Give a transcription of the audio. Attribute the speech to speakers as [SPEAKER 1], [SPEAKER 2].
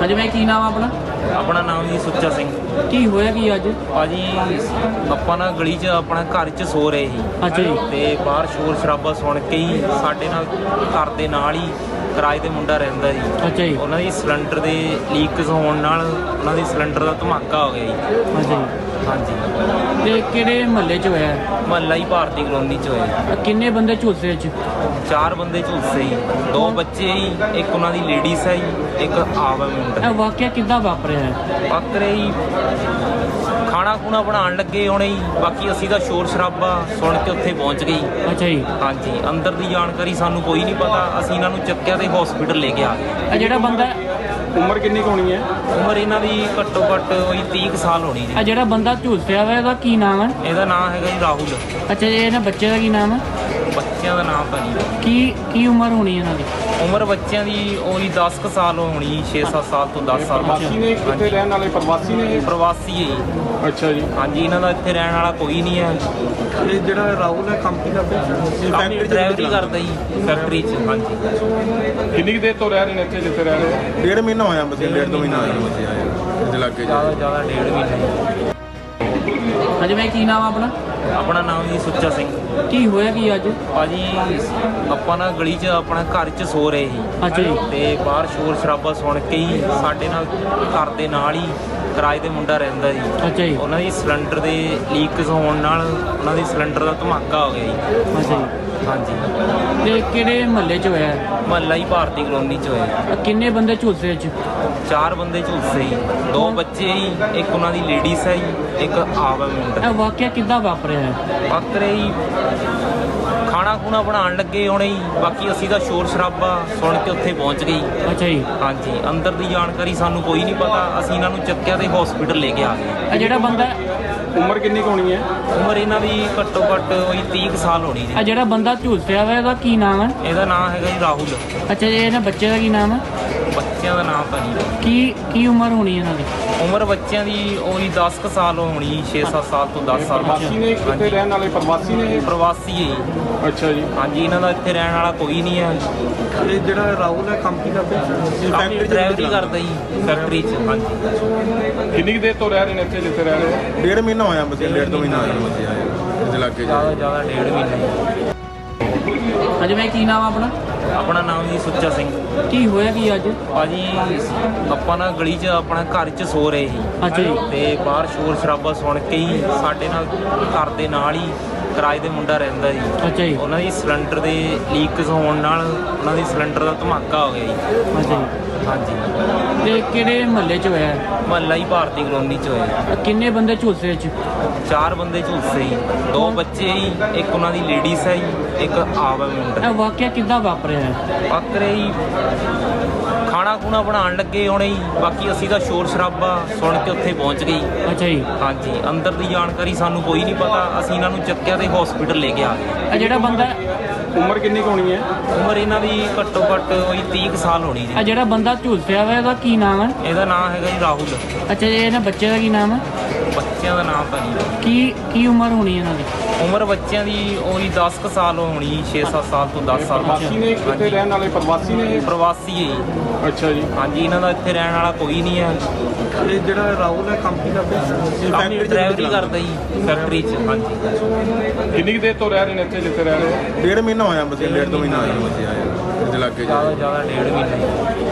[SPEAKER 1] ਹਾਂਜੀ ਮੈਂ ਕੀ ਨਾਮ ਆ ਆਪਣਾ?
[SPEAKER 2] ਆਪਣਾ ਨਾਮ ਜੀ ਸੁੱਚਾ ਸਿੰਘ।
[SPEAKER 1] ਕੀ ਹੋਇਆ ਕੀ ਅੱਜ?
[SPEAKER 2] ਭਾਜੀ ਆਪਾਂ ਨਾ ਗਲੀ 'ਚ ਆਪਣਾ ਘਰ 'ਚ ਸੋ ਰਹੇ ਸੀ
[SPEAKER 1] ਅੱਛਾ ਜੀ।
[SPEAKER 2] ਤੇ ਬਾਹਰ ਸ਼ੋਰ ਸ਼ਰਾਬਾ ਸੁਣ ਕੇ ਹੀ ਸਾਡੇ ਨਾਲ ਘਰ ਦੇ ਨਾਲ ਹੀ ਕਿਰਾਏ ਤੇ ਮੁੰਡਾ ਰਹਿੰਦਾ ਜੀ।
[SPEAKER 1] ਅੱਛਾ ਜੀ।
[SPEAKER 2] ਉਹਨਾਂ ਦੀ ਸਿਲੰਡਰ ਦੇ ਲੀਕਸ ਹੋਣ ਨਾਲ ਉਹਨਾਂ ਦੀ ਸਿਲੰਡਰ ਦਾ ਧਮਾਕਾ ਹੋ ਗਿਆ ਜੀ।
[SPEAKER 1] ਅੱਛਾ ਜੀ।
[SPEAKER 2] ਹਾਂਜੀ,
[SPEAKER 1] ਤੇ ਕਿਹੜੇ ਮਹੱਲੇ 'ਚ ਹੋਇਆ?
[SPEAKER 2] ਮਹੱਲਾ ਹੀ ਭਾਰਤੀ ਕਲੋਨੀ 'ਚ ਹੋਇਆ।
[SPEAKER 1] ਕਿੰਨੇ ਬੰਦੇ ਝੁਲਸੇ ਅੱਜ?
[SPEAKER 2] 4 ਬੰਦੇ ਝੁਲਸੇ ਜੀ, 2 ਬੱਚੇ ਜੀ, ਇੱਕ ਉਹਨਾਂ ਦੀ ਲੇਡੀਜ਼ ਹੈ ਜੀ, ਇੱਕ ਆਪ ਹੈ ਮੁੰਡਾ।
[SPEAKER 1] ਇਹ ਵਾਕਿਆ ਕਿੱਦਾਂ ਵਾਪਰਿਆ ਹੈ?
[SPEAKER 2] ਬੱਕਰੇ ਹੀ ਖਾਣਾ ਖੂਣਾ ਬਣਾਉਣ ਲੱਗੇ ਹੋਣੇ ਜੀ। ਬਾਕੀ ਅਸੀਂ ਤਾਂ ਸ਼ੋਰ ਸ਼ਰਾਬਾ ਸੁਣ ਕੇ ਉੱਥੇ ਪਹੁੰਚ ਗਏ ਜੀ।
[SPEAKER 1] ਅੱਛਾ ਜੀ।
[SPEAKER 2] ਹਾਂਜੀ, ਅੰਦਰ ਦੀ ਜਾਣਕਾਰੀ ਸਾਨੂੰ ਕੋਈ ਨਹੀਂ ਪਤਾ। ਅਸੀਂ ਇਹਨਾਂ ਨੂੰ ਚੱਕਿਆ ਤੇ ਹਸਪੀਟਲ ਲੈ ਕੇ ਆ ਗਏ।
[SPEAKER 1] ਇਹ ਜਿਹੜਾ ਬੰਦਾ
[SPEAKER 3] ਉਮਰ ਕਿੰਨੀ ਕੁ ਹੋਣੀ ਹੈ?
[SPEAKER 2] ਉਮਰ ਇਹਨਾਂ ਦੀ ਘੱਟੋ ਘੱਟ ਉਹੀ 30 ਕੁ ਸਾਲ ਹੋਣੀ ਜੀ।
[SPEAKER 1] ਇਹ ਜਿਹੜਾ ਬੰਦਾ ਝੁਲਸਿਆ ਵਾ ਇਹਦਾ ਕੀ ਨਾਮ ਹੈ?
[SPEAKER 2] ਇਹਦਾ ਨਾਮ ਹੈਗਾ ਜੀ ਰਾਹੁਲ।
[SPEAKER 1] ਅੱਛਾ ਜੀ, ਇਹਨਾਂ ਬੱਚੇ ਦਾ ਕੀ ਨਾਮ ਹੈ?
[SPEAKER 2] ਬੱਚਿਆਂ ਦਾ ਨਾਮ ਤਾਂ ਨਹੀਂ।
[SPEAKER 1] ਕੀ ਉਮਰ ਹੋਣੀ ਇਹਨਾਂ ਦੀ?
[SPEAKER 2] ਉਮਰ ਬੱਚਿਆਂ ਦੀ ਉਹੀ 10 ਕੁ ਸਾਲ ਹੋਣੀ, 6-7 ਸਾਲ ਤੋਂ 10 ਸਾਲ।
[SPEAKER 3] ਪ੍ਰਵਾਸੀ ਨੇ? ਕਿੱਥੇ ਰਹਿਣ ਵਾਲੇ ਪ੍ਰਵਾਸੀ ਨੇ ਇਹ?
[SPEAKER 2] ਪ੍ਰਵਾਸੀ ਹੈ ਜੀ।
[SPEAKER 3] ਅੱਛਾ ਜੀ।
[SPEAKER 2] ਹਾਂਜੀ, ਇਹਨਾਂ ਦਾ ਇੱਥੇ ਰਹਿਣ ਵਾਲਾ ਕੋਈ ਨਹੀਂ ਹੈ।
[SPEAKER 3] ਇਹ ਜਿਹੜਾ ਰਾਹੁਲ ਹੈ ਕੰਮ ਕੀ ਕਰਦਾ?
[SPEAKER 2] ਡਰਾਈਵਰੀ ਕਰਦਾ ਜੀ ਫੈਕਟਰੀ 'ਚ। ਹਾਂਜੀ।
[SPEAKER 3] ਕਿੰਨੀ ਕੁ ਦੇਰ ਤੋਂ ਰਹਿ ਰਹੇ ਨੇ ਇੱਥੇ ਜਿੱਥੇ ਰਹਿ ਰਹੇ?
[SPEAKER 4] ਡੇਢ ਮਹੀਨਾ ਹੋਇਆ ਬਸ, 1.5 ਮਹੀਨਾ ਹੋਇਆ ਬਸ ਆਏ ਇਹਦੇ ਲੱਗੇ
[SPEAKER 2] ਜ਼ਿਆਦਾ 1.5 ਮਹੀਨੇ।
[SPEAKER 1] ਹਾਂਜੀ ਮੈਂ ਕੀ ਨਾਮ ਆ ਆਪਣਾ?
[SPEAKER 2] ਆਪਣਾ ਨਾਮ ਜੀ ਸੁੱਚਾ ਸਿੰਘ।
[SPEAKER 1] ਕੀ ਹੋਇਆ ਕੀ ਅੱਜ?
[SPEAKER 2] ਭਾਜੀ ਆਪਾਂ ਨਾ ਗਲੀ 'ਚ ਆਪਣਾ ਘਰ 'ਚ ਸੋ ਰਹੇ ਸੀ
[SPEAKER 1] ਅੱਛਾ ਜੀ।
[SPEAKER 2] ਤੇ ਬਾਹਰ ਸ਼ੋਰ ਸ਼ਰਾਬਾ ਸੁਣ ਕੇ ਹੀ ਸਾਡੇ ਨਾਲ ਘਰ ਦੇ ਨਾਲ ਹੀ ਕਿਰਾਏ ਤੇ ਮੁੰਡਾ ਰਹਿੰਦਾ ਜੀ।
[SPEAKER 1] ਅੱਛਾ ਜੀ।
[SPEAKER 2] ਉਹਨਾਂ ਦੀ ਸਿਲੰਡਰ ਦੇ ਲੀਕਸ ਹੋਣ ਨਾਲ ਉਹਨਾਂ ਦੀ ਸਿਲੰਡਰ ਦਾ ਧਮਾਕਾ ਹੋ ਗਿਆ ਜੀ।
[SPEAKER 1] ਅੱਛਾ ਜੀ।
[SPEAKER 2] ਹਾਂਜੀ,
[SPEAKER 1] ਤੇ ਕਿਹੜੇ ਮਹੱਲੇ 'ਚ ਹੋਇਆ?
[SPEAKER 2] ਮਹੱਲਾ ਹੀ ਭਾਰਤੀ ਕਲੋਨੀ 'ਚ ਹੋਇਆ।
[SPEAKER 1] ਕਿੰਨੇ ਬੰਦੇ ਝੁਲਸੇ ਅੱਜ?
[SPEAKER 2] 4 ਬੰਦੇ ਝੁਲਸੇ ਜੀ, 2 ਬੱਚੇ ਜੀ, ਇੱਕ ਉਹਨਾਂ ਦੀ ਲੇਡੀਜ਼ ਹੈ ਜੀ, ਇੱਕ ਆਪ ਹੈ ਮੁੰਡਾ।
[SPEAKER 1] ਇਹ ਵਾਕਿਆ ਕਿੱਦਾਂ ਵਾਪਰਿਆ ਹੈ?
[SPEAKER 2] ਬੱਕਰੇ ਹੀ ਖਾਣਾ ਖੂਣਾ ਬਣਾਉਣ ਲੱਗੇ ਹੋਣੇ ਜੀ। ਬਾਕੀ ਅਸੀਂ ਤਾਂ ਸ਼ੋਰ ਸ਼ਰਾਬਾ ਸੁਣ ਕੇ ਉੱਥੇ ਪਹੁੰਚ ਗਏ ਜੀ।
[SPEAKER 1] ਅੱਛਾ ਜੀ।
[SPEAKER 2] ਹਾਂਜੀ, ਅੰਦਰ ਦੀ ਜਾਣਕਾਰੀ ਸਾਨੂੰ ਕੋਈ ਨਹੀਂ ਪਤਾ। ਅਸੀਂ ਇਹਨਾਂ ਨੂੰ ਚੱਕਿਆ ਤੇ ਹਸਪੀਟਲ ਲੈ ਕੇ ਆ ਗਏ।
[SPEAKER 1] ਇਹ ਜਿਹੜਾ ਬੰਦਾ
[SPEAKER 3] ਉਮਰ ਕਿੰਨੀ ਕੁ ਹੋਣੀ ਹੈ?
[SPEAKER 2] ਉਮਰ ਇਹਨਾਂ ਦੀ ਘੱਟੋ ਘੱਟ ਉਹੀ 30 ਕੁ ਸਾਲ ਹੋਣੀ ਜੀ।
[SPEAKER 1] ਇਹ ਜਿਹੜਾ ਬੰਦਾ ਝੁਲਸਿਆ ਵਾ ਇਹਦਾ ਕੀ ਨਾਮ ਹੈ?
[SPEAKER 2] ਇਹਦਾ ਨਾਮ ਹੈਗਾ ਜੀ ਰਾਹੁਲ।
[SPEAKER 1] ਅੱਛਾ ਜੀ, ਇਹਨਾਂ ਬੱਚੇ ਦਾ ਕੀ ਨਾਮ ਹੈ?
[SPEAKER 2] ਬੱਚਿਆਂ ਦਾ ਨਾਮ ਤਾਂ ਨਹੀਂ।
[SPEAKER 1] ਕੀ ਉਮਰ ਹੋਣੀ ਇਹਨਾਂ ਦੀ?
[SPEAKER 2] ਉਮਰ ਬੱਚਿਆਂ ਦੀ ਉਹੀ 10 ਕੁ ਸਾਲ ਹੋਣੀ, 6-7 ਸਾਲ ਤੋਂ 10 ਸਾਲ।
[SPEAKER 3] ਪ੍ਰਵਾਸੀ ਨੇ? ਕਿੱਥੇ ਰਹਿਣ ਵਾਲੇ ਪ੍ਰਵਾਸੀ ਨੇ ਇਹ?
[SPEAKER 2] ਪ੍ਰਵਾਸੀ ਹੈ ਜੀ।
[SPEAKER 3] ਅੱਛਾ ਜੀ।
[SPEAKER 2] ਹਾਂਜੀ, ਇਹਨਾਂ ਦਾ ਇੱਥੇ ਰਹਿਣ ਵਾਲਾ ਕੋਈ ਨਹੀਂ ਹੈ।
[SPEAKER 3] ਇਹ ਜਿਹੜਾ ਰਾਹੁਲ ਹੈ ਕੰਮ ਕੀ ਕਰਦਾ?
[SPEAKER 2] ਡਰਾਈਵਰੀ ਕਰਦਾ ਜੀ ਫੈਕਟਰੀ 'ਚ। ਹਾਂਜੀ।
[SPEAKER 3] ਕਿੰਨੀ ਕੁ ਦੇਰ ਤੋਂ ਰਹਿ ਰਹੇ ਨੇ ਇੱਥੇ ਜਿੱਥੇ ਰਹਿ ਰਹੇ?
[SPEAKER 4] ਡੇਢ ਮਹੀਨਾ ਹੋਇਆ ਬਸ, 1.5 ਮਹੀਨਾ ਹੋਇਆ ਬਸ ਆਏ ਇਹਦੇ ਲੱਗੇ
[SPEAKER 2] ਜ਼ਿਆਦਾ 1.5 ਮਹੀਨੇ।
[SPEAKER 1] ਹਾਂਜੀ ਮੈਂ ਕੀ ਨਾਮ ਆ ਆਪਣਾ?
[SPEAKER 2] ਆਪਣਾ ਨਾਮ ਜੀ ਸੁੱਚਾ ਸਿੰਘ।
[SPEAKER 1] ਕੀ ਹੋਇਆ ਕੀ ਅੱਜ?
[SPEAKER 2] ਭਾਜੀ ਆਪਾਂ ਨਾ ਗਲੀ 'ਚ ਆਪਣਾ ਘਰ 'ਚ ਸੋ ਰਹੇ ਸੀ
[SPEAKER 1] ਅੱਛਾ ਜੀ।
[SPEAKER 2] ਤੇ ਬਾਹਰ ਸ਼ੋਰ ਸ਼ਰਾਬਾ ਸੁਣ ਕੇ ਹੀ ਸਾਡੇ ਨਾਲ ਘਰ ਦੇ ਨਾਲ ਹੀ ਕਿਰਾਏ ਤੇ ਮੁੰਡਾ ਰਹਿੰਦਾ ਜੀ।
[SPEAKER 1] ਅੱਛਾ ਜੀ।
[SPEAKER 2] ਉਹਨਾਂ ਦੀ ਸਿਲੰਡਰ ਦੇ ਲੀਕਸ ਹੋਣ ਨਾਲ ਉਹਨਾਂ ਦੀ ਸਿਲੰਡਰ ਦਾ ਧਮਾਕਾ ਹੋ ਗਿਆ ਜੀ।
[SPEAKER 1] ਅੱਛਾ ਜੀ।
[SPEAKER 2] ਹਾਂਜੀ,
[SPEAKER 1] ਤੇ ਕਿਹੜੇ ਮਹੱਲੇ 'ਚ ਹੋਇਆ?
[SPEAKER 2] ਮਹੱਲਾ ਹੀ ਭਾਰਤੀ ਕਲੋਨੀ 'ਚ ਹੋਇਆ।
[SPEAKER 1] ਕਿੰਨੇ ਬੰਦੇ ਝੁਲਸੇ ਅੱਜ?
[SPEAKER 2] 4 ਬੰਦੇ ਝੁਲਸੇ ਜੀ, 2 ਬੱਚੇ ਜੀ, ਇੱਕ ਉਹਨਾਂ ਦੀ ਲੇਡੀਜ਼ ਹੈ ਜੀ, ਇੱਕ ਆਪ ਹੈ ਮੁੰਡਾ।
[SPEAKER 1] ਇਹ ਵਾਕਿਆ ਕਿੱਦਾਂ ਵਾਪਰਿਆ ਹੈ?
[SPEAKER 2] ਬੱਕਰੇ ਹੀ ਖਾਣਾ ਖੂਣਾ ਬਣਾਉਣ ਲੱਗੇ ਹੋਣੇ ਜੀ। ਬਾਕੀ ਅਸੀਂ ਤਾਂ ਸ਼ੋਰ ਸ਼ਰਾਬਾ ਸੁਣ ਕੇ ਉੱਥੇ ਪਹੁੰਚ ਗਏ ਜੀ।
[SPEAKER 1] ਅੱਛਾ ਜੀ।
[SPEAKER 2] ਹਾਂਜੀ, ਅੰਦਰ ਦੀ ਜਾਣਕਾਰੀ ਸਾਨੂੰ ਕੋਈ ਨਹੀਂ ਪਤਾ। ਅਸੀਂ ਇਹਨਾਂ ਨੂੰ ਚੱਕਿਆ ਤੇ ਹਸਪੀਟਲ ਲੈ ਕੇ ਆ ਗਏ।
[SPEAKER 1] ਇਹ ਜਿਹੜਾ ਬੰਦਾ
[SPEAKER 3] ਉਮਰ ਕਿੰਨੀ ਕੁ ਹੋਣੀ ਹੈ?
[SPEAKER 2] ਉਮਰ ਇਹਨਾਂ ਦੀ ਘੱਟੋ ਘੱਟ ਉਹੀ 30 ਕੁ ਸਾਲ ਹੋਣੀ
[SPEAKER 1] ਇਹ
[SPEAKER 2] ਜੀ।
[SPEAKER 1] ਜਿਹੜਾ ਬੰਦਾ ਝੁਲਸਿਆ ਵਾ ਇਹਦਾ ਕੀ ਨਾਮ ਹੈ?
[SPEAKER 2] ਇਹਦਾ ਨਾਮ ਹੈਗਾ ਜੀ ਰਾਹੁਲ।
[SPEAKER 1] ਅੱਛਾ ਜੀ, ਇਹਨਾਂ ਬੱਚੇ ਦਾ ਕੀ ਨਾਮ ਹੈ?
[SPEAKER 2] ਬੱਚਿਆਂ ਦਾ ਨਾਮ ਤਾਂ ਨਹੀਂ।
[SPEAKER 1] ਕੀ ਉਮਰ ਹੋਣੀ ਇਹਨਾਂ ਦੀ?
[SPEAKER 2] ਉਮਰ ਬੱਚਿਆਂ ਦੀ ਉਹੀ 10 ਕੁ ਸਾਲ ਹੋਣੀ, 6-7 ਸਾਲ ਤੋਂ 10 ਸਾਲ।
[SPEAKER 3] ਪ੍ਰਵਾਸੀ ਨੇ? ਕਿੱਥੇ ਰਹਿਣ ਵਾਲੇ ਪ੍ਰਵਾਸੀ ਨੇ ਇਹ?
[SPEAKER 2] ਪ੍ਰਵਾਸੀ ਹੈ ਜੀ।
[SPEAKER 3] ਅੱਛਾ ਜੀ।
[SPEAKER 2] ਹਾਂਜੀ, ਇਹਨਾਂ ਦਾ ਇੱਥੇ ਰਹਿਣ ਵਾਲਾ ਕੋਈ ਨਹੀਂ ਹੈ।
[SPEAKER 3] ਇਹ ਜਿਹੜਾ ਰਾਹੁਲ ਹੈ ਕੰਮ ਕੀ ਕਰਦਾ?
[SPEAKER 2] ਡਰਾਈਵਰੀ ਕਰਦਾ ਜੀ ਫੈਕਟਰੀ 'ਚ। ਹਾਂਜੀ।
[SPEAKER 3] ਕਿੰਨੀ ਕੁ ਦੇਰ ਤੋਂ ਰਹਿ ਰਹੇ ਨੇ ਇੱਥੇ ਜਿੱਥੇ ਰਹਿ ਰਹੇ?
[SPEAKER 4] ਡੇਢ ਮਹੀਨਾ ਹੋਇਆ ਬਸ, 1.5 ਮਹੀਨਾ ਹੋਇਆ ਬਸ ਆਏ ਇਹਦੇ ਲੱਗੇ
[SPEAKER 2] ਜ਼ਿਆਦਾ 1.5 ਮਹੀਨੇ।